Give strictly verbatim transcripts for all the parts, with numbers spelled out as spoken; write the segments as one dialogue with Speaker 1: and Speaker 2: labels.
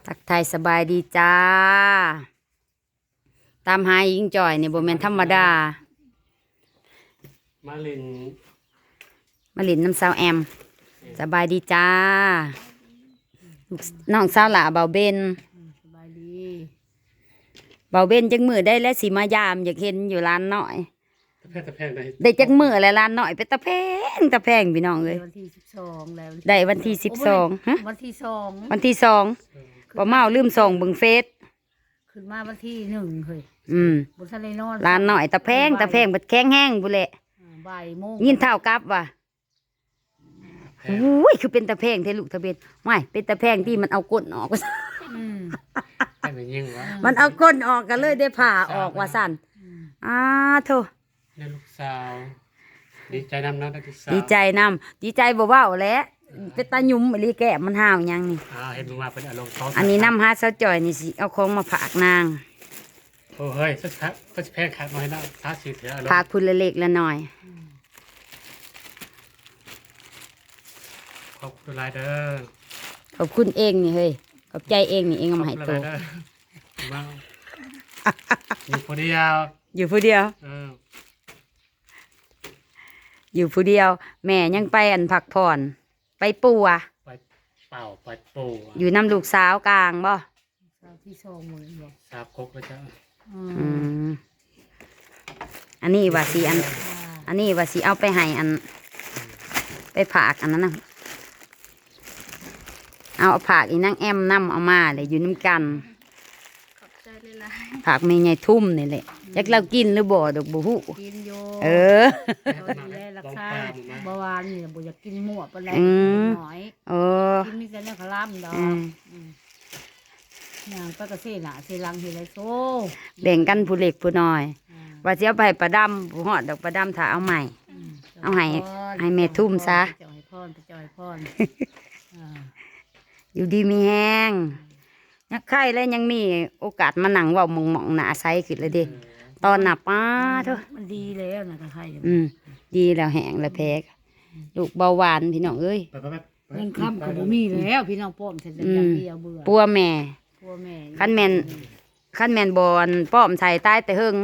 Speaker 1: ทักทายสบายดีจ้าตามหายิงจ่อยนี่บ่แม่นธรรมดา
Speaker 2: มาลิน
Speaker 1: มาลินน้ำสาวแอมสบายดีจ้าน้องสาวหล่าเบาเบน
Speaker 3: สบายดี
Speaker 1: เบาเบนจักมือได้และสิมายามอยากเห็นอยู่ร้านน้อย
Speaker 2: ตะแพงตะแพงได้
Speaker 1: ได้จักมือแล้วร้านน้อยเป็นตะแพงตะแพงพี่น้องเอ้ย
Speaker 3: วันที่สิบสองแล้ว
Speaker 1: ได้วันที่สิบสองฮะ
Speaker 3: วันที่สอง
Speaker 1: วันที่สองบ่เมาลืมส่งเบิ่งเฟซ
Speaker 3: ขึ้นมาวันที่หนึ่งเฮ้ย
Speaker 1: อืม
Speaker 3: บนทะเลนอน
Speaker 1: ร้านน้อยตะแพงตะแพงบัดแข็งแห้งบุแหละ
Speaker 3: บ่ายโมง
Speaker 1: ยินเท่ากับว่ะอุ้ยคือเป็นตะแพงเทลูกทะเบียนไม่เป็นตะแพงที่มันเอาก้นออก
Speaker 2: ให้มันยิ่งวะ
Speaker 1: มันเอาก้นออกกันเลยได้ผ่าออกว่าสั่นอ้าโธ่
Speaker 2: ได้ลูกสาวดีใจนำนะได้ลูกสาว
Speaker 1: ดีใจนำดีใจบ่เว้าแล้วเป็นตาหยุ่มอีหลีแก้มมันห่าวยังนี่
Speaker 2: อ่าเห็นมึงมาเป็นอารมณ์ท้อ
Speaker 1: อันนี้น้ำฮาสะจ่อยนี่สิเอาของมาฝากนาง
Speaker 2: โอ้เฮ้ยสักครับสักแพงขาดน้อยนะท้าสีเถื่ออารมณ์
Speaker 1: ฝากพุ่นละเล็กละน้อย
Speaker 2: ขอบคุณหลายเด้อ
Speaker 1: ขอบคุณเองนี่เฮ้ยขอบใจเองนี่เองเอามาให้โต
Speaker 2: มาอยู่คนเดียว
Speaker 1: อยู่ผู้เดียว
Speaker 2: เออ
Speaker 1: อยู่ผู้เดียวแม่ยังไปอันพักผ่อนไปปัว
Speaker 2: ไปเป่าไปปู
Speaker 1: อยู่น้ำลูกสาวกลางบ่
Speaker 3: สาวที่สองมือบ่
Speaker 2: สาบคกเลยจ้ะ
Speaker 1: อืมอันนี้ว่าสิอันอันนี้ว่าสิเอาไปให้อันไปผากอันนั้นนะเอาผากอีนั่งแอมน้ำเอามาเลยอยู่น้ำกันผากไม่ใหญ่ทุ่มนี่แหละอยากเรากินหรือบ่ดอกบุหุ
Speaker 3: กินโย
Speaker 1: เออ
Speaker 3: ดีแลรักษาเบาหวานนี่บ่อยากกินมั่วปานใดน้อย
Speaker 1: เออ
Speaker 3: กินมีแต่เนื้อคลำดอกอย่างปกติน่ะสิลังเฮ็ดไรโซ
Speaker 1: แบ่งกันผู้เล็กผู้น้อยว่าสิเอาไปประดำผู้ฮอดดอกประดำถ้าเอาใหม่เอาให้ให้แม่ทุ่มซะ
Speaker 3: จอยพรจอยพร
Speaker 1: อยู่ดีมีแห้งยักไข่แล้วยังมีโอกาสมานั่งเว้ามองๆหน้าใสขึ้นเลยดิตอนหนับป้าเถอะ
Speaker 3: มันดีแล้วนะไข่
Speaker 1: อืมดีแล้วแห้งแล้วแพ้ลูกเบาหวานพี่น้องเอ้ย
Speaker 3: เงินค้ำก็บ่มีแล้วพี่น้องป้อมเสร็จแล้วอย่างเดียวเบื่อ
Speaker 1: ปัวแม่
Speaker 3: ปัวแม่
Speaker 1: ขั้นแมนขั้นแมนบอลป้อมใส่ใต้แต่หึง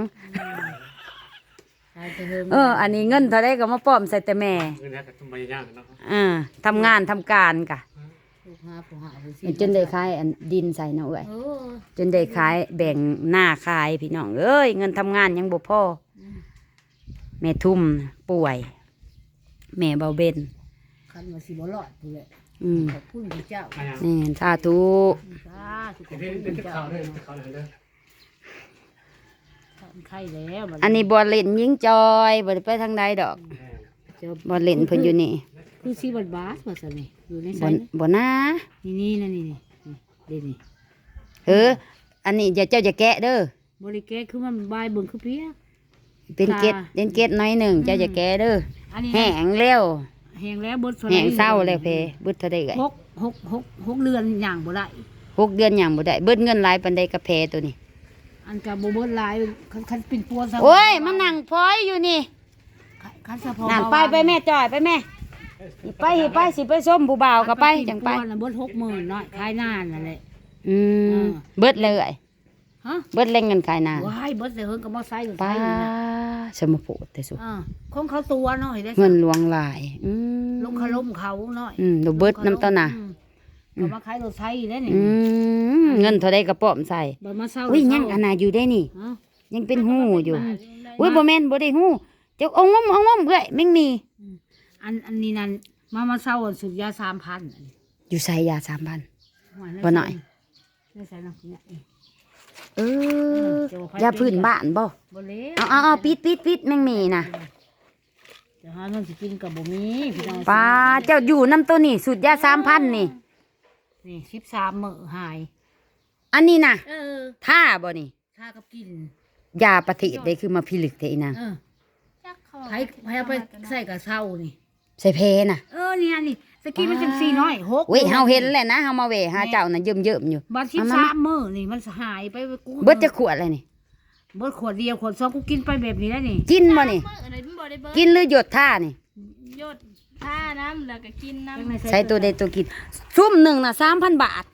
Speaker 1: เอออันนี้เงินเท่าไรก็มาป้อมใส่แต่แม่อ่าทำงานทำการกะจนได้ขายอันดินใส่เนาะเอ้ยจนได้ขายแบ่งหน้าขายพี่น้องเอ้ยเงินทำงานยังบ่พอแม่ทุ่มป่วยแม่เบาเบน
Speaker 3: คันว่าสิบ่รอดพุ่นแหละ
Speaker 1: อืม
Speaker 3: ขอบคุณพระเจ้า
Speaker 1: นี่สาธุ
Speaker 3: สาธุขอบคุณพระเจ้าไข่แล้ว
Speaker 1: อันนี้บ่เล่นยิงจอยบ่ได้ไปทางใดดอกบ่เล่นเพิ่นอยู่นี่
Speaker 3: คือสิบบาทว่าซั่นนี่อยู่ในไส
Speaker 1: บ่นะ
Speaker 3: นี่นี่นั่นนี่นี่นี่
Speaker 1: เอออันนี้อย่าเจ้าอย่าแกะเด้อ
Speaker 3: บ่ได้แกะคือมันบายเบิ่งคือเพีย
Speaker 1: เป็นเกล็ดเป็นเกล็ดน้อยหนึ่งเจ้าอย่าแกะเด้อแห้งแล้ว
Speaker 3: แห้งแล้วเบิด
Speaker 1: แห้งเศร้าแล้วเพเบิดเท่าใดเอ้ย
Speaker 3: หกหกหกหกเดือนย่างบ่ได้
Speaker 1: หกเดือนย่างบ่ได้เบิดเงินหลายปานใดกะเพตัวนี้
Speaker 3: อันก็บ่เบิดหลายคันคันเป็นปัวซะ
Speaker 1: โอ้ยมันนั่งพลอยอยู่นี่
Speaker 3: คันซะพอ
Speaker 1: นั่งไปไปแม่จ่อยไปแม่ไปไปสิไปส้มผู้บ่าวก็ไปจังไป
Speaker 3: เบิดหกหมื่นน้อยขายนานนั่นแหละ
Speaker 1: อืมเบิดเลย
Speaker 3: ฮะ
Speaker 1: เบิดแรงเงินขายนาน
Speaker 3: ว้ายเบิดแต่เฮิงก็บ่ใส่
Speaker 1: ป้าสมโพธิแต่สุ
Speaker 3: อ่าของเขาตัวน้อยได้
Speaker 1: เงินหลวงหลายอืม
Speaker 3: ลงคาล้มเขาน้อย
Speaker 1: อืมดูเบิดน้ำต้นน่ะ
Speaker 3: ก็มาขายรถไถได้นี่
Speaker 1: อืมเงินเท่าใดกระป๋อมใส่
Speaker 3: บ่มาเซา
Speaker 1: อุ้ยยังอันน่ะอยู่ได้นี่ยังเป็นหู้อยู่อุ้ยบ่แม่นบ่ได้หู้เจ้าเอางมเอางมเอ้ยแม่งมี
Speaker 3: อันอันนี้นั่นมามาเซาสุดยา สามพัน
Speaker 1: อยู่ใส่ยา สามพัน บ่หน่อย
Speaker 3: ได้ใส่น้ำเนี่ย
Speaker 1: เออยาพื้นบ้านบ่
Speaker 3: บ่เล้ว
Speaker 1: เอาเอาปิดปิดปิดแม่งมีน่ะ
Speaker 3: จะหาเงินสิกินก็บ่มีพี่น้อง
Speaker 1: ป้าเจ้าอยู่นำตัวนี่สุดยา สามพัน นี่
Speaker 3: นี่สิบสามมื้อหาย
Speaker 1: อันนี้น่ะ
Speaker 3: เออ
Speaker 1: ท่าบ่นี่
Speaker 3: ท่ากับกิน
Speaker 1: ยาปฏิได้คือมาพิลึกแท้อีนาง
Speaker 3: เออไผไผเอาไปใส่กับเซานี่
Speaker 1: ใส่เพน่ะ
Speaker 3: เออนี่อันนี้สกี้มันจังสี่น้อยหก
Speaker 1: เว้ยเฮาเห็นแหละนะเฮามาเวหาเจ้าน่ะเยิ่มๆอยู่
Speaker 3: บัดสิบสามมื้อนี่มันหายไปกู
Speaker 1: เบิดจะขวดอะไรนี่
Speaker 3: เบิดขวดเดียวขวดสองกูกินไปแบบนี้แล้วนี่
Speaker 1: กินบ่นี่กินหรือหยดท่านี่
Speaker 4: หยดท่าน้ำแล้วก็กินน้ำ
Speaker 1: ใส่ตัวใดตัวกินซุ่มหนึ่งน่ะ สามพัน บาท
Speaker 3: อัน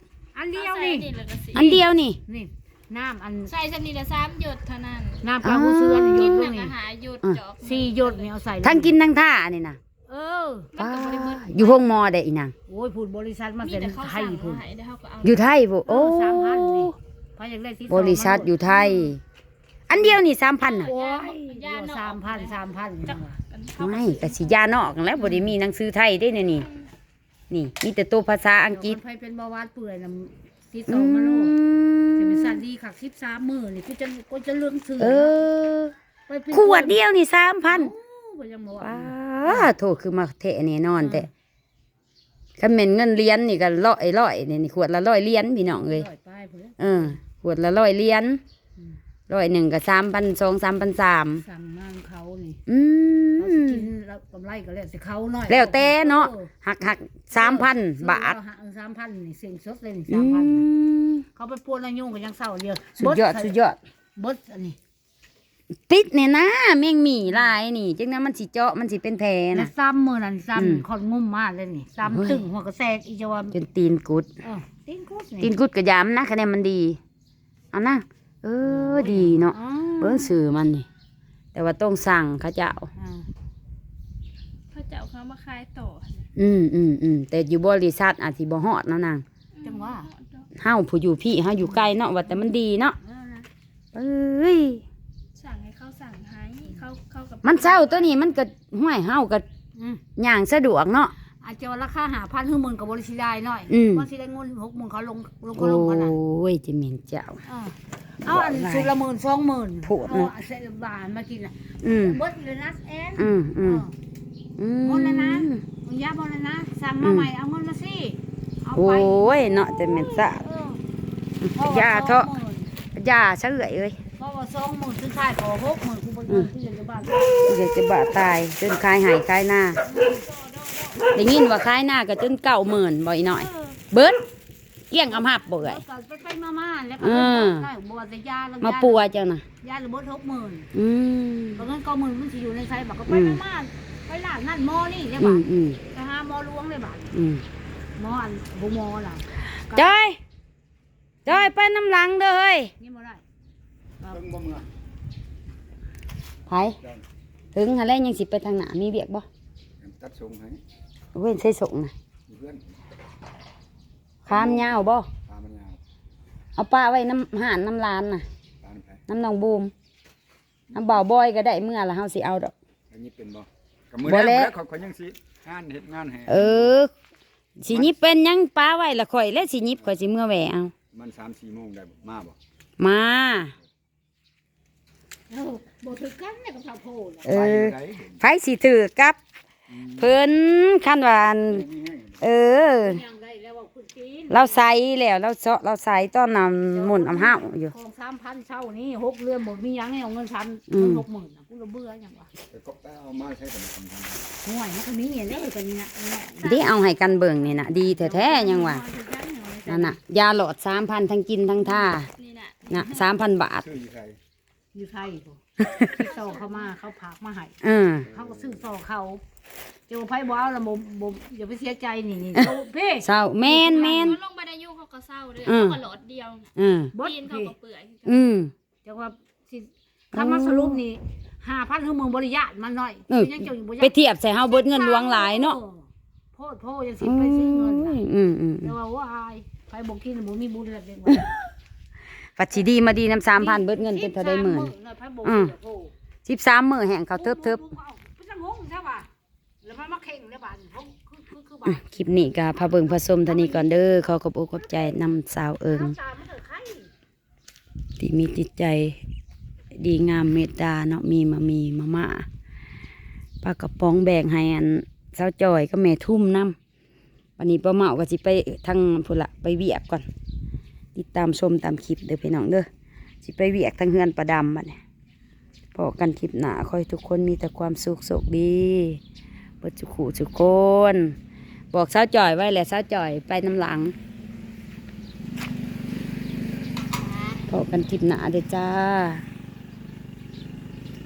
Speaker 3: อันเดียวนี่
Speaker 1: อันเดียวนี่
Speaker 3: นี่น้ำอัน
Speaker 4: ใส่ชนิดละสามหยดเท่านั้น
Speaker 3: น้ำปลาหูเสือนี่หย
Speaker 4: กิ
Speaker 3: ด
Speaker 4: น
Speaker 3: ล
Speaker 4: หนั
Speaker 3: ง
Speaker 4: ง
Speaker 3: นี่
Speaker 4: อาหารหยดจอก
Speaker 3: สี่หยดนี่เอาใส่ลง
Speaker 1: ทั้งกินทั้งท่านี่นะ
Speaker 3: เออ
Speaker 1: ป้าอยู่ห้องมอได้อีนาง
Speaker 3: โอ้ยพูดบริษัทมา
Speaker 4: มี
Speaker 3: เป็น
Speaker 4: แต่เขา
Speaker 3: ไท
Speaker 4: สั่
Speaker 3: ย
Speaker 4: ง
Speaker 3: พูด
Speaker 4: มาให้เดี๋ยวเขาก็เอา
Speaker 1: อยู่ไทยบ่โอ้
Speaker 3: สามพันนี่พายอยากได้ที่
Speaker 1: บริษัทอยู่ไทย อันเดียวนี่สามพันน่ะ
Speaker 3: โอ้ยสามพันสามพัน
Speaker 1: ไม่ก็สิยานอกแล้วบ่ได้มีหนังสือไทยได้เนี่ยนี่ นี่มีแต่ตัวภาษาอังกฤษ
Speaker 3: ไฟเป็นเบาหวานเปื่อยนะที่ส
Speaker 1: อื
Speaker 3: องมาโลดจะ
Speaker 1: ม
Speaker 3: เป็นสันดีขักสิบสามมือนี่กูจะกูจะเรื่องซื้อ
Speaker 1: เออ
Speaker 3: ไปเป็น
Speaker 1: ขวดเดียวนี่สามพัน
Speaker 3: โอ้ก็ยังบอก
Speaker 1: ป้าโทษคือมาเทะแน่นอนแต่คันแม่นเงินเหรียญนี่ก็ร้อยร้อยนี่นี่ขวดละร้อยเหรียญพี่น้องเอ้ย
Speaker 3: ไปเพื่อ
Speaker 1: เออขวดละร้อยเหรียญร้อยหนึ่งก็สามพันสองสามพันสาม
Speaker 3: สั่งงานเขานี่
Speaker 1: อื
Speaker 3: เขาสิ
Speaker 1: ม
Speaker 3: กินแล้วกำไรก็แล้วสิเขาหน่อย
Speaker 1: แล้วแต่เนาะหักหักสามพันบาท
Speaker 3: สามพันนี่เสียงสดเลยนี่
Speaker 1: อื
Speaker 3: สามพัน
Speaker 1: ม
Speaker 3: เขาไปปวนอายุกันยังเศร้าเดียว
Speaker 1: สุดยอดสุดยอด
Speaker 3: บดอันนี้
Speaker 1: ติดเนี่ยนะแมงหมี่ลายนี่จังนั้นมันสิเจาะมันสิเป็นแผล
Speaker 3: แล้
Speaker 1: นะ
Speaker 3: วซ้ำมือนั่น
Speaker 1: อืม
Speaker 3: ซ้ำคอนงุ่มมากเลยนี่
Speaker 1: เฮ้ย
Speaker 3: ซ้ำตึงหัวกระแทกอีจวา
Speaker 1: จนตีนกุด
Speaker 3: เออตีนกุด
Speaker 1: ตีนกุดกระยามนะคะแนนมันดีเอานะเออดีเนาะ
Speaker 3: อ๋อ
Speaker 1: เบิ้งสื่อมันนี่แต่ว่าต้องสั่งเขาเจ้า
Speaker 3: อ่า
Speaker 4: เขาจะเอาเขามาขายต่อ
Speaker 1: อืมอืมอืมแต่อยู่บริษัทอาจสิบ่ฮอดเนาะนาง
Speaker 3: จังว่า
Speaker 1: เฮาผู้อยู่พี่เฮาอยู่ไกลเนาะว่าแต่มันดีเนาะ
Speaker 3: เออนะ
Speaker 1: เอ้ย
Speaker 4: สั่งให้เขาสั่งให้เขาเขากับ
Speaker 1: มันเศร้าตัวนี้มันก็ห้วยเฮาก็
Speaker 3: อืม
Speaker 1: ย่างสะดวกเนาะ
Speaker 3: อาจจะว่าราคาหาพันหมื่นกับบริษัทได้หน่อย
Speaker 1: อืม
Speaker 3: ว่าสิได้เงินหกหมื่นเขาลงลง
Speaker 1: โอ
Speaker 3: เขาลงกันนะ
Speaker 1: ้ยจะเหม็นเจ้า
Speaker 3: เออเอาอันสุดละหมื่นสองหมื่น
Speaker 1: โผด
Speaker 3: เอา
Speaker 1: เนาะ
Speaker 3: เศษบาทมากินอ่ะ
Speaker 1: อืม
Speaker 3: เบิดเลยนะแอน
Speaker 1: อืมอืม
Speaker 3: เออ
Speaker 1: อืม
Speaker 3: หมดแล้วนะ มึงยาบอลเลยนะสั่งมาใหม่เอาเงินมาสิเอา
Speaker 1: โอ้
Speaker 3: ไป
Speaker 1: ยเนาะจะเหม็นสะ
Speaker 3: เออย
Speaker 1: าเถอะยาเฉยเอ้ย
Speaker 3: เพราะว่าสองหมื่นสุดท้ายขอหกหมื่นกูบริเงินที่อยากจะบ้าน
Speaker 1: อยากจะบาตายจนคายหายคายหน้าได้ยินว่าคายหน้าก็จนเก่าหมื่นบ่อยหน่อย เบิดเกี้ยงอำหับบ่เอ่ย
Speaker 3: ไปไปมามาแล้วก็
Speaker 1: อืม
Speaker 3: ได้บัวแต่ยาแล้ว
Speaker 1: มาปัวเจ้าน่ะ
Speaker 3: ยาหรือเบิดหกหมื่น
Speaker 1: อืม
Speaker 3: เพราะงั้นก็หมื่นมันสิอยู่ในไซบอกก็ไป
Speaker 1: อืม
Speaker 3: มามาไปร้านนั่นหมอนี่เนี่ย
Speaker 1: อื
Speaker 3: บ้าม
Speaker 1: อืม
Speaker 3: ไปหาหมอหลวงเลยบ้าน
Speaker 1: อืม
Speaker 3: หมออันบุหมอล่ะ
Speaker 1: จอยจอยไปน้ำหลังเด้อเฮ้ย
Speaker 3: นี่มาได้
Speaker 2: เบิ่งบ่เมื่อ
Speaker 1: ไผถึงอะไรยังสิไปทางหน้ามีเบียกบ่
Speaker 2: ตัดทรงให้
Speaker 1: เว้นใส่ส่งน่ะ
Speaker 2: เพื่อน
Speaker 1: ข้ามยาวบ่
Speaker 2: ตามันยาว
Speaker 1: เอาป้าไว้น้ำห่านน้ำลานน่ะ
Speaker 2: ตามันแผล
Speaker 1: น้ำนองบูมน้ำบ่าวบอยก็ได้เมื่อละเฮาสิเอาดอก
Speaker 2: อันนี้เป็นบ่กับมือ
Speaker 1: บ่
Speaker 2: แร
Speaker 1: แล้ว
Speaker 2: กเขาเขายังสิงานเฮ็ดงานให้
Speaker 1: เออสิหยิบเป็นหยังป้าไว้ละข่อยและสิหยิบข่อยสิเมื่อแหวเอา
Speaker 2: มันสามสี่โมงได้บ่มาบ่
Speaker 1: มา
Speaker 3: เออบ่ถือกันเนี่ยกับชาวโพด
Speaker 1: เอ
Speaker 2: ไป
Speaker 1: อ
Speaker 2: ไหนเห็น
Speaker 1: ไผสิถือกับ เพิ่นคันว่าอัน
Speaker 2: มีแห้ง
Speaker 1: เออ
Speaker 3: ยังได้แล้วว่าคุณจีน
Speaker 1: เราใส่แล้วเราเจาะเราใส่ต้อนนำหมุนอำห้าวอยู่
Speaker 3: ของสามพันเช่านี่หกเรือนหมดมีหยังให้เอาเงินพัน
Speaker 1: อืม
Speaker 3: หกหมื่นน่ะกูระเบื่อหยังวะ
Speaker 2: ไปกบตาเอามาใช้กับมันทำทำ
Speaker 3: ห่วยมันก็มีอย่างนี้กันนี่นะ
Speaker 1: ที่เอาให้กันเบิ่งนี่น่ะดีแท้ๆยังว่านั่นน่ะยาหลอดสามพันทั้งกินทั้งท่า
Speaker 4: นี่น่ะ
Speaker 1: น่ะสามพันบาท
Speaker 2: ชื่ออยู่ไส
Speaker 3: อยู่ไทยพอที่โซเขามาเขาผากมาให้
Speaker 1: เออ
Speaker 3: เขาก็ซื้อโซเขาเจ้าไพ่บ้าแล้วบ่บ่อย่าไปเสียใจนี่นี่โอ้พี่
Speaker 1: เศร้าแม่นแม่น
Speaker 4: เขาลงบันไดยูเขาก็เศร้าเลย
Speaker 1: อืม
Speaker 4: เขาก็หลอดเดียว
Speaker 1: เออ
Speaker 3: บด
Speaker 4: ตีนเขา
Speaker 3: พี่
Speaker 4: ก็เปื่อย
Speaker 1: อืม
Speaker 3: จังว่าสิคำมาสรุปนี่ห้าพันคือเมืองบริยาตมันหน่อย
Speaker 1: เออ
Speaker 3: ยังเจ้าอยู่บ่
Speaker 1: ไปเทียบใส่เฮาเบิดเงินหลวงหลายเนาะ
Speaker 3: โพดโพดยังสิไปซื้อเงินน่ะ
Speaker 1: อืมอืม
Speaker 3: แต่ว่าว่าอายไปบอกกินบ่มีบุญแล้วเด็กว่า
Speaker 1: ปัจจิดีมาดีน้ำสามพันเบิดเงินเป็นเท่าได้หมื่น
Speaker 3: ไปบอก
Speaker 1: อืม
Speaker 3: เดี๋ยวโทร
Speaker 1: สิบสามมื้อแห่งเขาเทิบเทิบ
Speaker 3: เป็นจังงงใช่ป่ะแล้วมันมาเข่งเลยบ้านเขาคือคือคือ
Speaker 1: อื
Speaker 3: บ้าม น
Speaker 1: คลิปนี้ก็พาเบิ่งผสมเท่านี้ก่อนเด้อขอขอบอกขอบใจนำสาวเอิง
Speaker 3: น้ำตามันเถอะไข่
Speaker 1: ที่มีจิตใจดีงามเมตตาเนาะมีมามีมาม่าปลากระป๋องแบ่งให้อันสาวจอยก็แม่ทุ่มน้ำวันนี้ป้าเมาก็สิไปทางพุ่นละไปเวียกก่อนติดตามชมตามคลิปเด้อพี่น้องเด้อสิไปเวียกทางเฮือนประดำบัดนี้พอกันคลิปหน้าขอให้ทุกคนมีแต่ความสุขโชคดีเปิดจุขู่จุกคนบอกสาวจอยไว้แหละสาวจอยไปน้ำหลังพอกันคลิปหน้าเด้อจ้า